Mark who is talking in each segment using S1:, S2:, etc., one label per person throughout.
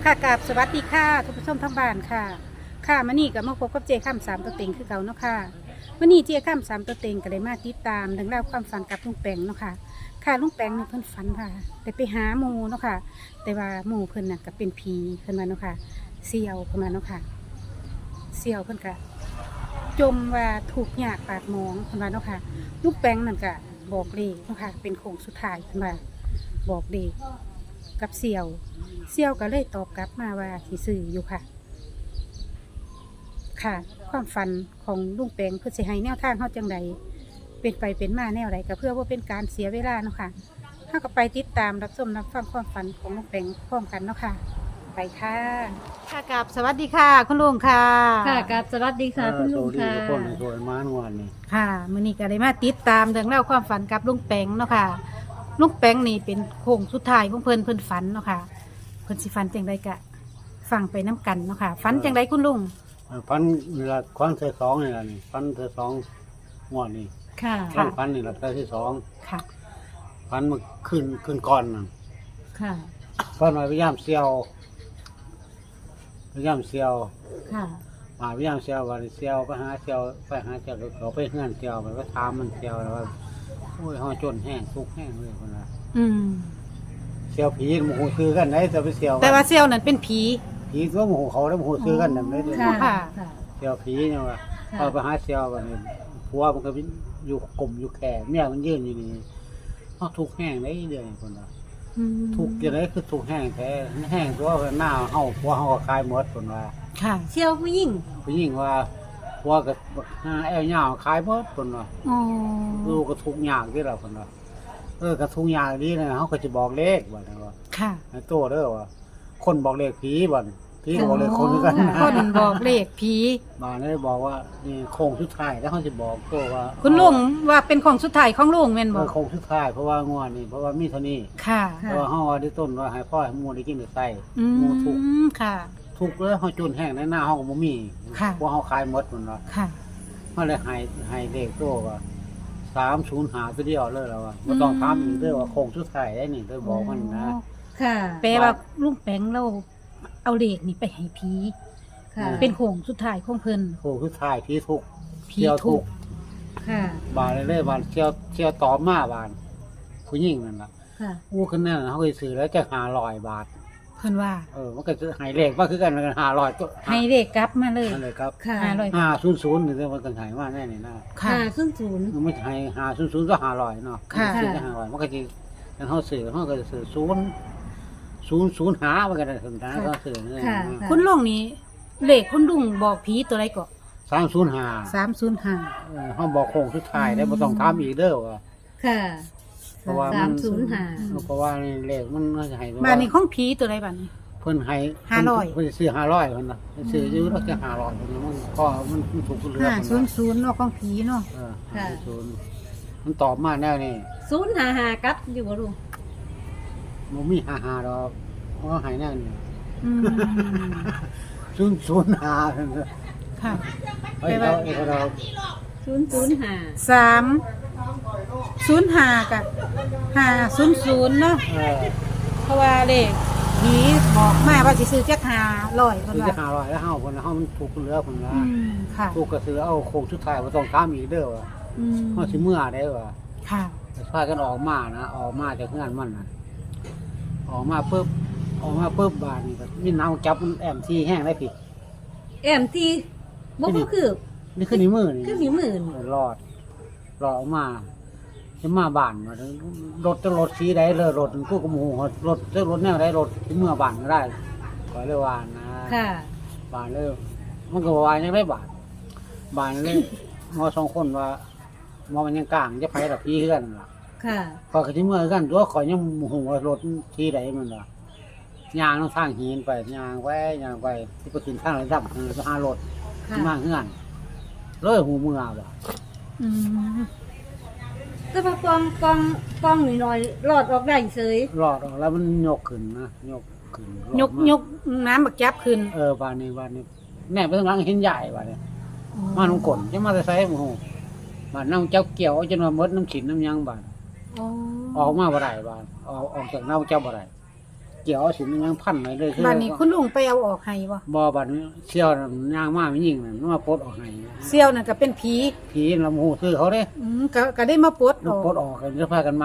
S1: ค่ะกราบสวัสดีค่ะทุกผู้ชมทั้งบ้านค่ะค่ะมื่อนี้กับมาพบกับเจข้ามสามตัวเต็งคือเก่าเนาะค่ะมื่อนี้เจข้ามสามตัวเต็งก็ได้มาติดตามเรื่องราวความฝันกับลุงแปงเนาะค่ะค่ะลุงแปงเนี่ยเพิ่นฝันค่ะแต่ไปหาหมูเนาะค่ะแต่ว่าหมูเพิ่นน่ะก็เป็นผีเพิ่นมาเนาะค่ะเสี่ยวเพิ่นมาเนาะค่ะเสี่ยวเพิ่นก็จมว่าถูกหยากปากหมองเพิ่นมาเนาะค่ะลุงแปงนั่นก็บอกเลขเนาะค่ะเป็นโค้งสุดท้ายเพิ่นว่าบอกเลขกับเสี่ยวก็เลยตอบกลับมาว่าที่ซื้ออยู่ค่ะ ค่ะ ความฝันของลุงแปงเพื่อสิให้แนวทางเขาจังใดเป็นไปเป็นมาแนวใดก็เพื่อว่าเป็นการเสียเวลาเนาะค่ะถ้าก็ไปติดตามรับชมรับฟังความฝันของลุงแปงพร้อมกันเนาะค่ะ ไปค่ะค่ะกับสวัสดีค่ะ คุณลุงค่ะ
S2: ค่ะกับสวัสดีค่ะคุณลุงค่ะ
S3: สวัสดีทุกคนสวยมานวันนี้
S1: ค่ะมื้อนี้ก็ได้มาติดตามเรื่องเล่าวความฝันกับลุงแปงเนาะค่ะลุงแปงนี่เป็นโค้งสุดท้ายของเพิ่นฝันเนาะค่ะเพิ่นสิฝันจังใดกะฟังไปน้กันเนาะค่ะฝันจังใดคุณลุง
S3: พันนี่ละควันเธอสองนี่ละนี่พันเธอสองงวดนี่
S2: ค่ะ
S3: พันนี่ละเธอที่สอง
S1: ค่ะ
S3: พันมาขึ้นก่อนน่ะ
S2: ค่ะ
S3: พันมาพยายามเซียวพยายามเซียว
S2: ค่ะ
S3: มาพยายามเซียววันเซียวไปหาเซียวเราไปเฮือนเซียวไปถามมันเซียวแล้วว่าโอ้ยห่อจนแห้งทุกแห้งเลยคนละ
S1: อืม
S3: เซียวผีโมโหซื้อกันไหนจะไปเซียว
S1: แต่ว่าเซี่ยวนั้นเป็นผี
S3: ผีตัวโมโหเขาแล้วโมโหซื้อกันนั่นเลย
S2: ค่ะ
S1: ค่ะ
S2: ค่ะ
S3: เซียวผีเนี่ยว่า
S2: ค่ะ
S3: เอาไปหาเซียววันนี้ผัวมันก็อยู่กลมอยู่แก่เมียมันยืนอยู่นี่เขาทุกแห้งได้เดือนคนละ
S1: อืม
S3: ทุกอย่างไรคือทุกแห้งแท้แห้งตัวหน้าเฮาผัวเฮาก็คลายหมดคนว่า
S1: ค่ะ
S2: เชี่ยวผู้หญิง
S3: ผู้หญิงว่าผัวก็หาแอวเหย้าคลายหมดคนว่า
S1: อ๋อ
S3: ลูกก็ทุกอย่างที่เราคนว่าก็ทุกอย่างนี้นะเฮาก็จะบอกเลขบ่นะว่า
S1: ค่ะ
S3: ไอ้โตเด้อว่าคนบอกเลขผีบ่ผีก็บอกเลขคนคือกันนะ
S1: คนบอกเลขผี
S3: บ้านนี้บอกว่านี่โค้งสุดท้ายแล้วเขาจะบอกโตว่า
S1: คุณลุงว่าเป็นของสุดท้ายของลุงแม่นบ่
S3: โค้งสุดท้ายเพราะว่างวดนี่เพราะว่ามีเท่านี้
S1: ค่ะ
S3: เพราะว่าเฮาว่าได้ต้นว่าให้พ่อให้หมู่ได้กินได้ใส่
S1: อื
S3: หมู่ทุก
S1: มค่ะ
S3: ทุกแล้วเฮาจนแห้งในหน้าเฮาก็บ่มี
S1: ค่ะ
S3: เพราะเฮาขายหมดพุ่นว่า
S1: ค่ะ
S3: มันเลยให้เลขโตว่า305ตัวเดียวเลยแล้วว่าบ่ต้องถามอีกเด้อว่าโค้งสุดท้ายได้นี่เด้อบอกมันนะ
S2: ค่ะ
S1: แปลว่าลุงแปงเราเอาเลขนี่ไปให้ผี
S2: ค่ะ
S1: เป็นโค้งสุดท้ายของเพิ่น
S3: โค้งสุดท้ายผีทุก
S1: ผี
S3: เที่ยว
S1: ทุ
S3: ทุ
S1: ก
S3: ก
S2: ค่ะ
S3: บานเลยบานเที่ยวตอมมาบานผู้หญิงนั่นล่ะ
S2: ค่ะ
S3: อู้ขึ้นนั่นน่ะเฮาก็ซื้อแล้วจะ500 บาท
S1: เพิ่นว่า
S3: มันก็จะให้เลขว่าคือกันกัน500ตัว
S1: ให้เลขกลับมาเลย
S3: นั่นเลยครับ
S2: ค่ะ
S3: 500นี่มันกันให้มาแน่นี่นะ
S1: ค่ะ
S2: ขึ้นศูนย์
S3: มันไม่ให้500ก็500เนาะ
S1: ค่ะ
S3: ซื้อก็500มันก็สิกันเฮาซื้อเฮาก็ซื้อ0 หามันก็ได้ถึงนะก็ซื้อนี่
S2: ค่ะ
S1: คุณลุงนี่เลขคุณลุงบอกผีตัวไรก็
S3: 305
S1: 305
S3: เฮาบอกโค้งสุดท้ายได้บ่ต้องถามอีกเด้อว่า
S2: ค่ะ
S3: เพราะว่ามัน
S2: 305
S3: เพราะว่านี่เลขมันจะให้
S1: บ้านนี้ของผีตัวไรบ้านนี้
S3: เพิ่นให้
S1: 500
S3: เพิ่นซื้อ500เพิ่นน่ะซื้ออยู่แล้วจะ500เพิ่นน่ะมันก็มันถูกเรือเพิ่นน่ะ
S1: 500เนาะของผีเนาะ
S2: ค่ะ
S3: 50มันตอบมาแนวนี้
S2: ศูนย์หากัดอยู่บ่ลุง
S3: บ่มี55ดอกเพราะว่าให้แนวนี้
S1: อืม
S3: 005เพิ่นน่ะ
S1: ค่ะ
S3: เฮ้ยเรา
S2: 005
S1: 305กับ500เนาะ เพราะว่าเลขผีบอกมาว่าสิซื้อจัก500เพิ่น
S3: ซื้อ
S1: ว่า
S3: จะ500แล้วเฮาเพิ่นน่ะเฮามันถูกเรือเพิ่นน่ะ
S1: ค่ะ
S3: ถูกก็ซื้อเอาโค้งสุดท้ายบ่ต้องถามอีกเด้อว่า
S1: อืม
S3: เฮาสิเมื่อได้ว่า
S1: ค่ะ
S3: พากันออกมานะออกมาจากงานมันนะออกมาปุ๊บบานนี่ก็มีน้ำจับมันแอมที่แห้งได้ผิด
S2: แอมที่บ่คือ
S3: นี่คือนิ้วมือนี่
S2: คือนิ้วมือ
S3: รอดออกมาจะมาบ้านมารถจะรถสีใดเลยรถกูกระมูรถจะรถแนวใดรถที่เมื่อบ้านก็ได้ขอเลยว่านะ
S2: ค่ะ
S3: บ้านเลยมันก็วายยังได้บ้านเลย มอสองคนว่ามอมันยังกลางจะไปกับพี่เพื่อนล่ะ
S2: ค่ะ
S3: พอที่เมื่อกันตัวขอยยังหัวรถที่ใดมันล่ะยางต้องทางหินไปยางไปที่ไปถึงทางระดับจะหารถ
S2: ค่ะ
S3: มาเฮือนเลยหูมือว่ะ
S1: อืม
S2: แต่ว่ากองหน่อยๆรอดออกได้เฉย
S3: รอดออกแล้วมันยกขึ้นนะยกขึ้น
S1: ยกน้ำบักจับขึ้น
S3: บ้านนี้แน่ไปทางหลังเห็นใหญ่บ้านนี้มาน้ำกลนจะมาใส่หมูบ้านน้ำเจ้าเกี่ยวจนมาเมดน้ำฉินน้ำยังบ้าน
S2: อ๋อ
S3: ออกมาบ่ได้บ้านออกจากน้ำเจ้าบ่ได้เกี่ยวสิมันยังพันไว้เลย
S1: บ้านนี้คุณลุงไปเอาออกให้บ่
S3: บ่บัดนี้เสี่ยวน่ะย่างมาไม่ยิงน่ะมันมาปลดออกให้
S1: เสี่ยวนั่นก็เป็นผี
S3: ผีลำหูซื้อเขาเด้
S1: ก็ได้มาปลดอ
S3: มัน
S1: อก
S3: ปลดออกกันจะพากันมา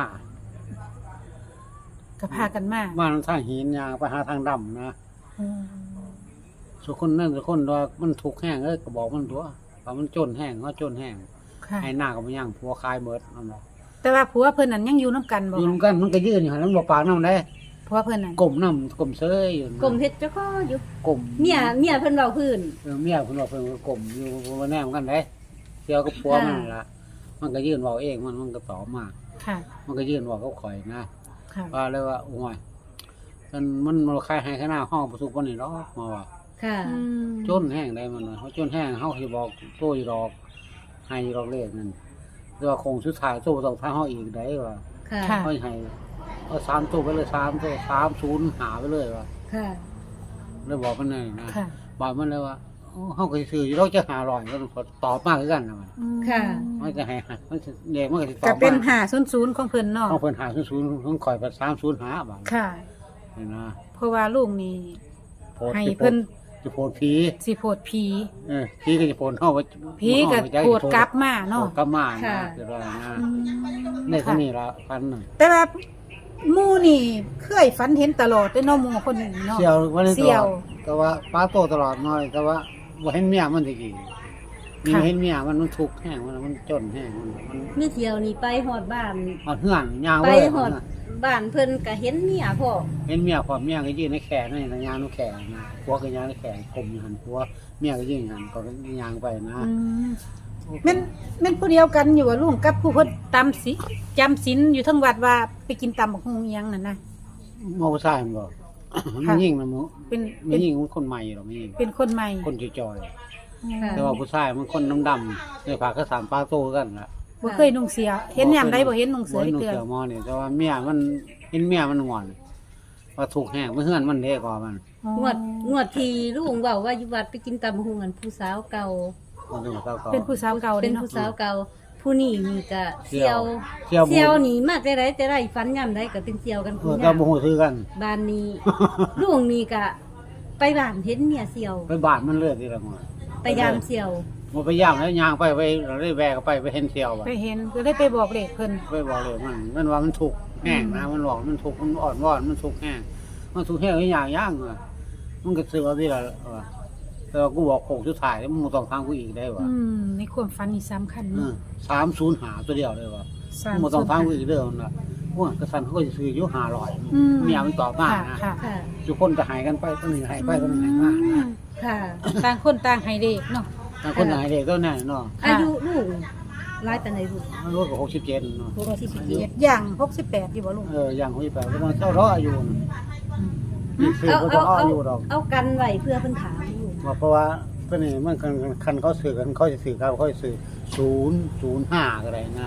S1: ก็พากันมา
S3: มาทางหินย่างไปหาทางดำนะ
S1: อืม
S3: สุคนนั่นสุคนว่ามันถูกแห้งก็บอกมันตัวว่ามันจนแห้งเขาจนแห้ง
S1: ค่ะ
S3: ให้หน้าก็บ่ย่างผัวคายเบิดนั่นบ่
S1: แต่ว่าผัวเพิ่นนั่นยังอยู่นํกันบ่
S3: อยู่นำกันมันก็ยืนอยู่หั่นมันบ่ปากน้ำได้
S1: ผัวเพิ่นนั่น
S3: ก้มน้ำก้มเซยอยู่นะ
S2: กลมเฮ็ดเจ้าก็อยู่
S3: ก้ม
S2: เมียเพิ่นเว้าพื้น
S3: เมียเพิ่นว่าเพิ่นก็ก้มอยู่บ่แน่เหมือนกันเด้เสี่ยวกับผัวมันนั่นล่ะมันก็ยืนเว้าเองมันก็ตอบมา
S1: ค่ะ
S3: มันก็ยืนเว้ากับข่อยนะ
S1: ค่ะ
S3: ว่าเลยว่าโอ้ยมันบ่คายให้ข้างหน้าห้องประสบบ่นี่ดอกมาว่า
S2: ค่ะ
S1: อืม
S3: จนแห้งได้มันว่าเขาจนแห้งเฮาสิบอกโตอยู่ดอกให้อยู่ดอกเลขนั่นแต่ว่าคงสุดท้ายโตต้องทางเฮาอีกได้ว่า
S2: ค่ะ
S1: ค่ะ
S3: เฮาให้เอา3ตัวไปเลย3ตัว30หาไปเลยว่า
S2: ค่ะ
S3: เลยบอกมันนั่นนะ
S1: ค่ะ
S3: บอกมันเลยว่าโอ้เฮาก็สิซื้ออยู่ดอกจะ500มันก็ตอบมาคือกันนะมัน
S1: อืม
S2: ค่ะ
S3: มันจะให้มันสิเลขมันก็สิตอ
S1: ก็
S3: บ
S1: เป็น
S3: มา
S1: 500ของเพิ่นเนาะ
S3: เอาเพิ่น500ของข่อยไป305บาท
S1: ค่ะ
S3: นี่นะ
S1: เพราะว่าลุงนี่
S3: โพด
S1: ให้
S3: สิ
S1: เพิ่น
S3: จะโพดผี
S1: สิโพดผี
S3: ผีก็จะโพดเฮาว่า
S1: ผีก็โพดกลับมาเนาะ
S3: โพดกลับมานะ
S2: ค่ะ
S3: เดี๋ยวว่านะ
S1: อืม
S3: ในที่นี้ละพันหนึ่ง
S1: แต่ว่าหมู่นี่เคยฝันเห็นตลอดเด้อเนาะหมู่คนนี้เนาะ
S3: เสี่ยววันนี้ต
S1: เสี่
S3: ล
S1: ย
S3: อ
S1: ว
S3: ดแต่ว่าป้าโตตลอดหน่อยแต่ว่าบ่เห็นเมียมันตะกี้มี
S1: ค่ะ
S3: เห็นเมียมันทุกข์แห้งมันจนแห้งมัน
S2: เมื่อเที่ยวนี้ไปฮอดบ้าน
S3: เอาเหือนยาง
S2: ไป
S3: เลย
S2: ฮอดบ้านเพิ่นก็เห็นเมียพ่อ
S3: เห็นเมียพอเมียก็ยืนในแขนนี่นะยางในแขนนะผัวก็ยางในแขนกลมอยู่หันผัวเมียก็ยืนหันก็ยางไปนะ
S1: อืมแม่นผู้เดียวกันอยู่ว่าลุงกับผู้เพิ่นตามสิจำศีลอยู่ทั้งวัดว่าไปกินตำบักฮุงอิหยังนั่นน่ะ
S3: มอผู้ชายมันบอก
S1: ค่ะ
S3: มันยิ่งมัน
S1: เป็น
S3: มันยิ่งมันคนใหม่หรอกมันยิ่ง
S1: เป็นคนใหม่
S3: คนจอย
S2: ค่ะ
S3: ๆแต่ว่าผู้ชายมันคนดำๆในผากก็สามป้าโตกันล่ะ
S1: บ่เคยนุ่งเสีย เห็นยามใดบ่เห็นนุ่งเสือ
S3: บ่
S1: ได้
S3: นุ่ง
S1: เทื่อ
S3: เสือหมอนี่แต่ว่าเมียมันเห็นเมียมันงอนว่าถูกแห้งเพื่อนมันเด้กว่ามัน
S2: งวดที่ลุงเว้าว่าอยู่วัดไปกินตำบักหุ่งกันผู้สาวเก่า
S3: มันดูเก่าๆ
S1: เป็นผู้สาวเก่า
S2: เป็
S1: เด้
S2: น
S1: เนาะ
S2: ผู้สาวเก่า ผู้นี้นี่ก็เซียว
S3: เสี่ยว
S2: เซียวนี่มาแต่ไรแต่ไรฝันย่ำได้ก็เป็นเซียวกัน
S3: เอ
S2: ผู้
S3: อ
S2: นี้
S3: ก็บ่ฮู้ซื้อกัน
S2: บ้านนี้ ลุงนี่ก็ไปบ้านเห็นเมียเซียว
S3: ไปบ้านมันเลยทีละมื้อ
S2: ไปยามเซียว
S3: บ่ไปย่างแล้วย่างไปเราได้แวกไปเห็นเที่ยวบ่
S1: ไปเห็นก็ได้ไปบอกเลขเพิ่น
S3: ไปบอกเลยมันว่ามันถูกแห้งนะมันบอกมันถูกมันอ่อนวอนมันถูกแห้งมันถูกแห้งอย่างย่างอ่ะมันก็ซื้อเอาที่ละแต่ว่ากูบอกโคงสุดท้ายมึงต้องทางกูอีกได้ว่ะ
S1: ในความฝันนี่สำคัญเนาะ
S3: 305ตัวเดียวเลยว่ะมึงต้องทางกูอีกเด้อมันน่ะว่ากระสันเขาก็สิซื้ออยู่500เมียมันตอบมา
S1: ค่ะ
S3: นะ
S1: ค่ะ
S2: ค่ะ
S3: ทุกคนจะหายกันไปตัวหนึงหายไปตัวหนึงหายมา
S2: ค่ะ
S1: ต่างคนต่างให้เลขเนาะ
S3: แต่คนหายเด็กก็แน่เนาะ
S1: ค่ะ
S2: อายุลุงหลายปานใดลุง
S3: มันรถก็67เนาะ
S2: 67
S1: อย่าง68อยู่บ่ลุง
S3: อย่าง68ก็มันเจ้าร้ออายุนี่ซื้อ
S2: เอา
S3: ก็
S2: เอา
S3: ต้อง
S2: เอา
S3: อายุดอก
S2: เอากันไว้เพื่อเพิ่นถามอยู่
S3: ว่าเพราะว่าตัวนี้มันคันเขาซื้อกันเขาจะซื้อเขาจะซื้อ005ก็ได้นะ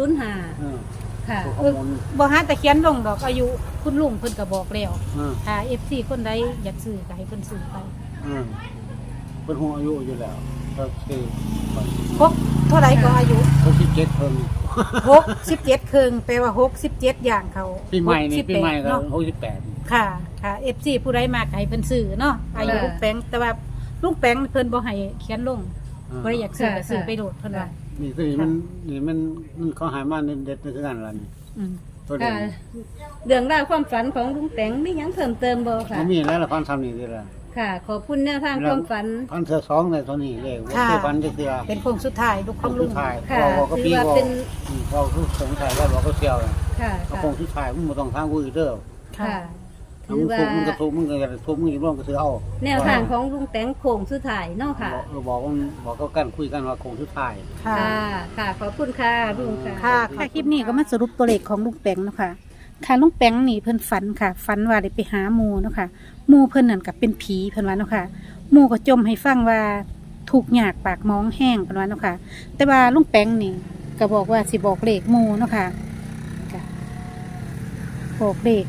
S2: 005
S3: เออ
S2: ค่ะ
S3: ข้อมูล
S1: บ่หาแต่เขียนลงดอกอายุคุณลุงเพิ่นก็บอกแล้ว
S3: เออ
S1: ถ้า FC คนใดอยากซื้อก็ให้เพิ่นซื้อไป
S3: เออเป็นหัวอายุอยู่แล้วก็คือ
S1: พกเท่าไหร่ก็อายุ
S3: 67เพิ่ง
S1: 67ครึ่งแปลว่า67อย่างเขา
S3: ปีใหม่นี่ปีใหม่ก็
S1: เนาะ
S3: 68
S1: ค่ะค่ะ FC ผู้ใดมากให้เพิ่นซื้อเนาะอายุลุงแปงแต่ว่าลุงแปงเพิ่นบ่ให้เขียนลงบ่ได้อยากซื้อก็ซื้อไปโดดเพิ่นว่า
S3: นี่ตัวนี้มันเขาหายมาเด็ดๆคือกันล่ะนี่
S1: อืม
S3: ตัวนี้
S2: ค่ะเรื่องราวความฝันของลุงแตงมีหยังเพิ่มเติมบ่ค่ะ
S3: มันมีแล้วละพันทำนี่ดีละ
S2: ค่ะ ขอบคุณแนวทางความฝัน
S3: พันเธอสองในตัวนี้เลยว่าคือพันจะเสีย
S1: เป็นโค้งสุดท้ายลูกของลุง
S3: ถ่าย
S2: ค่ะ
S3: บอกก็
S2: ถื
S3: ปี
S2: อว่า
S3: บอก
S2: เป็น
S3: เราคือสงสัยแล้วบอกก็เสียวเลย
S2: ค่ะ
S3: เอา
S2: ค่ะ
S3: คงที่ถ่ายมึงมาต้องทางกูอีกเด้อ
S2: ค่ะ
S3: ถ้า
S2: ถื
S3: มึ
S2: อง ว่า
S3: ทุกมึงก็ทุกมึงก็จะทุกมึงอีกร่วมก็ซื้อเอา
S2: แนวทางของลุงแตงโค้งสุดท้ายเนาะค่ะ
S3: บอกก็กันคุยกันว่าคงที่ถ่าย
S1: ค่ะ
S2: ค่ะ ค่ะ ขอบคุณค่ะลุงค่ะ
S1: ค่ะค่ะคลิปนี้ก็มาสรุปตัวเลขของลุงแปงเนาะค่ะค่ะลุงแปงนี่เพิ่นฝันค่ะฝันว่าได้ไปหาหมู่เนาะค่ะหมู่เพิ่นนั่นก็เป็นผีเพิ่นว่าเนาะค่ะหมู่ก็จมให้ฟังว่าถูกหยากปากมองแห้งเพิ่นว่าเนาะค่ะแต่ว่าลุงแปงนี่ก็บอกว่าสิบอกเลขหมู่เนาะค่ะค่ะบอกเลข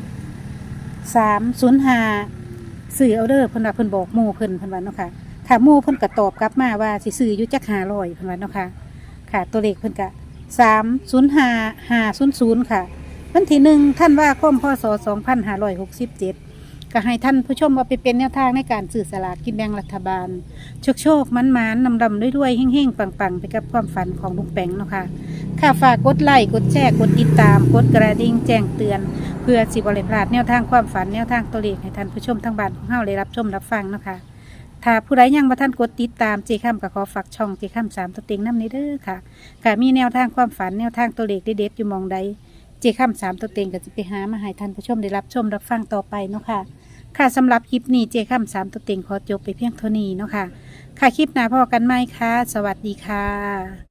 S1: 305ซื้อเอาเด้อเพิ่นว่าเพิ่นบอกหมู่เพิ่นว่าเนาะค่ะค่ะหมู่เพิ่นก็ตอบกลับมาว่าสิซื้ออยู่จัก500เพิ่นว่าเนาะค่ะค่ะตัวเลขเพิ่นก็305 500ค่ะวันที่1ท่านว่าคมพศ2567 ก็ให้ท่านผู้ชมเอาไปเป็นแนวทางในการสื่อสลากกินแบ่งรัฐบาลโชคมันนำด้วยเฮ่งๆปังๆไปกับความฝันของลุงแปงเนาะค่ะค่ะฝากกดไลค์กดแชร์กดติดตามกดกระดิ่งแจ้งเตือนเพื่อสิบ่ได้พลาดแนวทางความฝันแนวทางตัวเลขให้ท่านผู้ชมทั้งบ้านของเฮาได้รับชมรับฟังเนาะค่ะถ้าผู้ใดยังบ่ทันกดติดตามเจค้ำก็ขอฝากช่องเจค้ำ3ตัวเต็งนำนี้เด้อค่ะค่ะมีแนวทางความฝันแนวทางตัวเลขเด็ดๆอยู่หม้องใดเจค้ำ3ตัวเต็งก็จะไปหามาให้ท่านผู้ชมได้รับชมรับฟังต่อไปเนาะค่ะค่ะสำหรับคลิปนี้เจค้ำ3ตัวเต็งขอจบไปเพียงเท่านี้เนาะค่ะค่ะคลิปหน้าพอกันไหมคะสวัสดีค่ะ